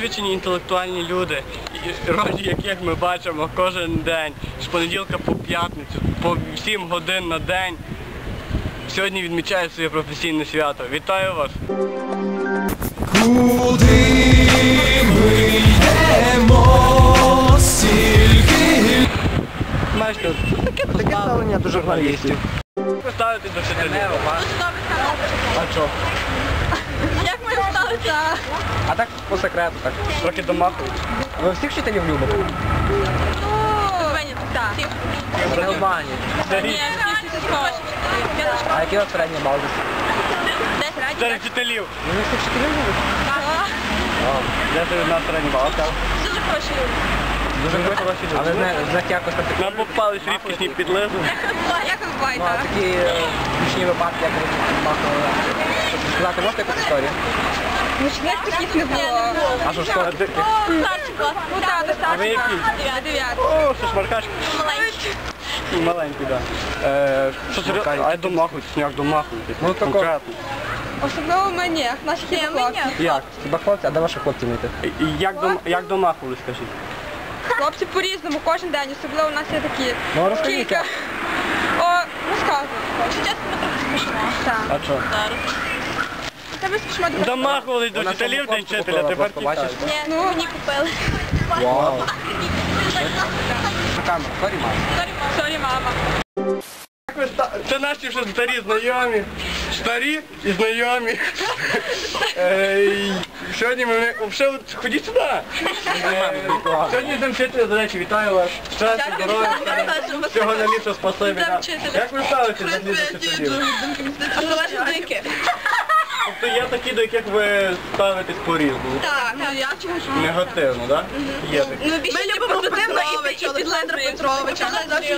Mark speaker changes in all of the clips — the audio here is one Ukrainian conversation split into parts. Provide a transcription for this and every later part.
Speaker 1: освічені інтелектуальні люди, ролі яких ми бачимо кожен день, з понеділка по п'ятницю, по 7 годин на день. Сьогодні відмічають своє професійне свято. Вітаю вас!
Speaker 2: Куди ми йдемо стільки?
Speaker 1: Бачите, таке ставлення до журналістів. Поставити до вчителів. А що?
Speaker 3: Як ми ставиться?
Speaker 4: А так по секрету, так.
Speaker 1: Трохи домахують.
Speaker 4: Ви всіх вчителів любите?
Speaker 3: Так.
Speaker 4: В Албанії. А який у вас середній бал?
Speaker 1: Серед вчителів.
Speaker 4: Ви всіх вчителів любите?
Speaker 1: Я тобі на середній бал.
Speaker 3: Дуже хороші люди.
Speaker 4: Дуже хороші люди. Але з них якось так.
Speaker 1: Нам попались рідкісні підлези.
Speaker 3: Як ви буваєте?
Speaker 4: Ну, а такі гучні випадки, як ви махали. Щоб сказати, можете якусь історію?
Speaker 3: Гучних таких не було.
Speaker 4: А що ж школа?
Speaker 3: Старший клас. Ну так, до
Speaker 1: А ви
Speaker 3: старший
Speaker 1: який?
Speaker 3: клас. 9.
Speaker 1: О, що шмаркашки.
Speaker 3: Маленький.
Speaker 1: Маленький, так. Що серйозно? А я домахуюсь, як домахуюсь.
Speaker 4: Ну, тако.
Speaker 1: Конкретно.
Speaker 3: Особливо мені, наші хлопці.
Speaker 1: Як?
Speaker 4: Хіба хлопці? А де ваші хлопці мити?
Speaker 1: І як домахувались, скажіть?
Speaker 3: Хлопці по-різному, кожен день, особливо у нас є такі.
Speaker 4: Ну, розкажіть.
Speaker 3: Кілька. О, розказуй. Чи чесно, ми трохи смішно. Так.
Speaker 1: А що?
Speaker 3: Тебе смішно дуже.
Speaker 1: Домахувались до вчителів, день вчителя, тепер
Speaker 4: бачиш?
Speaker 3: Ні, ну мені купили.
Speaker 4: Вау. Камера, сорі, мама.
Speaker 3: Сорі, мама.
Speaker 1: Це наші вже старі знайомі. Старі і знайомі. Сьогодні ми... Ходіть сюди. Сьогодні день вчителя, до речі, вітаю вас. Щастя, здоров'я, всього на літо, спасибі. Як ви ставитесь до вчителів?
Speaker 3: А то ваші думки?
Speaker 1: Тобто є такі, до яких ви ставитесь по-різному.
Speaker 3: Так, я чогось.
Speaker 1: Негативно, так? Є такі.
Speaker 3: Ми любимо позитивно і Олександра Петровича.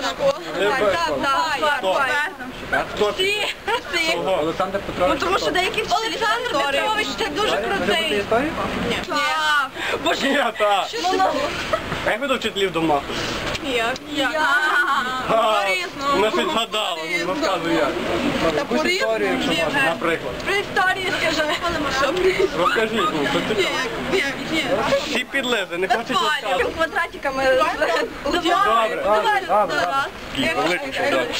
Speaker 1: Хто? Кого?
Speaker 4: Олександр Петрович.
Speaker 3: Тому що деякі Олександр Петрович це дуже крутий.
Speaker 4: Історію?
Speaker 3: Ні. Боже,
Speaker 1: Ні, так. А як ви до вчителів домахуєте?
Speaker 3: я.
Speaker 1: Вона щось згадала, ну розказуй як.
Speaker 4: Якусь історію, якщо можна.
Speaker 1: Наприклад.
Speaker 3: При історії скажи.
Speaker 1: Розкажіть, ну, що цікаво. Всі підлези, не хочуть розказувати.
Speaker 3: Квадратиками.
Speaker 1: Добре. Великий солдат.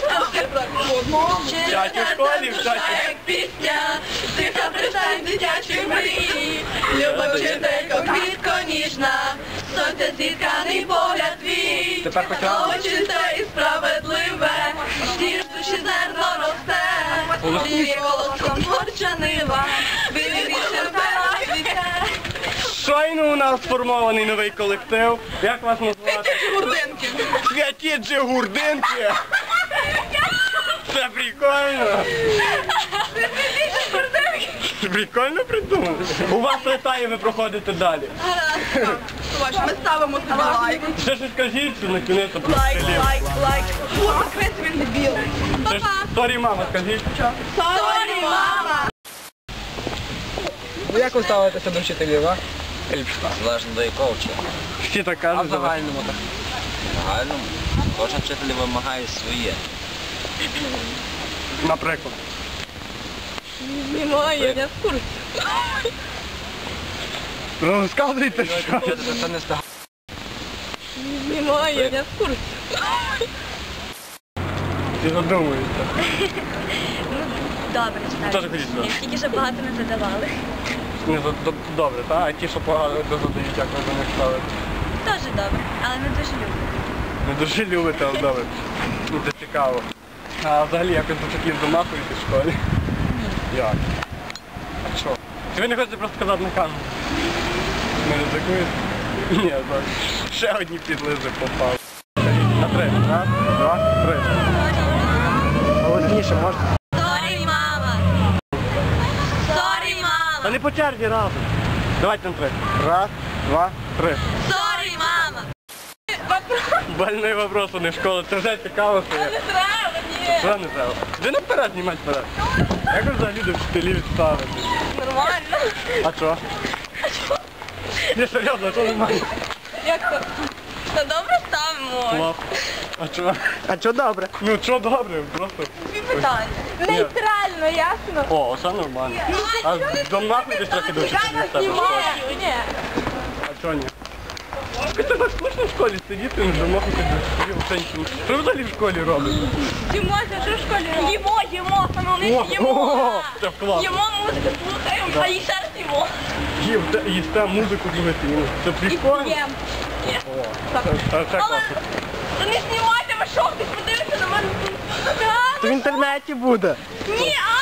Speaker 1: Вчать у школі, вчать.
Speaker 3: Пісня, тиха пристань дитячої мрії, люба вчителько, квітко ніжна, сонце зітканий погляд твій,
Speaker 4: Тепер почала.
Speaker 3: чисте і справедливе, стір душі зерно росте, твій колоском горча нива, вивіріше впера світе.
Speaker 1: Щойно у нас сформований новий колектив. Як вас назвати?
Speaker 3: Гурдинки.
Speaker 1: Святі Джигурдинки. Це прикольно. Прикольно придумали. У вас летає, ви проходите далі.
Speaker 3: Ми ставимо тобі лайк.
Speaker 1: Ще щось скажіть, що на кінець
Speaker 3: Лайк. Фу, закрити він дебіл.
Speaker 1: Сорі, мама, скажіть.
Speaker 3: Сорі, мама.
Speaker 4: Ну як ви ставитеся до вчителів, а?
Speaker 5: Залежно до якого вчителя.
Speaker 1: Всі так
Speaker 4: А
Speaker 1: кажуть.
Speaker 4: в загальному так?
Speaker 5: В загальному кожен вчитель вимагає своє.
Speaker 1: Наприклад.
Speaker 3: Немає, я в курсі.
Speaker 1: Розказуйте, що.
Speaker 4: Вчитель це не став.
Speaker 3: Немає, я в курсі.
Speaker 1: Всі задумуються.
Speaker 3: Добре,
Speaker 1: Теж ходіть сюди.
Speaker 3: Тільки що багато не задавали.
Speaker 1: Ні, добре, так? А ті, що погано задають, як ви до них ставите?
Speaker 3: Теж добре, але не дуже люблю.
Speaker 1: Не дуже любите, але добре. Ну, це цікаво. А взагалі якось до таких домахуєте в школі? Ні. Як? А що? Чи ви не хочете просто сказати на камеру? Не ризикуєте? Ні, так. Ще одні підлизи попали. На 3. Раз, два, 3.
Speaker 4: Голосніше можете?
Speaker 3: Сорі, мама. Сорі,
Speaker 1: Та
Speaker 3: мама.
Speaker 1: не по черзі разом. Давайте на 3. Раз, два, 3.
Speaker 3: Сорі, мама.
Speaker 1: Больний вопрос, а не в школу. Це вже цікаво, що
Speaker 3: Не
Speaker 1: я.
Speaker 3: треба, ні.
Speaker 1: Що не треба? Де не вперед знімати вперед? Як ви взагалі до вчителів ставите?
Speaker 3: Нормально.
Speaker 1: А що? Ні, серйозно, а що нормально?
Speaker 3: Як то? Та добре ставимо.
Speaker 1: Клас. А що?
Speaker 4: А що добре?
Speaker 1: Ну що добре, просто.
Speaker 3: Питання. Нейтрально, ясно?
Speaker 1: О, оце нормально. А домахуйтесь трохи до вчителів в себе в школі.
Speaker 3: Ні.
Speaker 1: Що ні? Ви тебе скучно в школі сидіти, не замахувати до школі, взагалі нічого. Що ви взагалі в школі робите?
Speaker 3: Їмося, що в школі робимо? Їмо, саме
Speaker 1: О,
Speaker 3: вони їмо.
Speaker 1: це класно.
Speaker 3: Їмо, музику слухаємо, а і ще раз їмо.
Speaker 1: Їсте музику слухати. Це прикольно.
Speaker 3: Їм.
Speaker 1: Це
Speaker 3: Але
Speaker 1: класно.
Speaker 3: то не знімайте, ви що, хтось подивиться на мене.
Speaker 1: Це в інтернеті буде.
Speaker 3: Ні,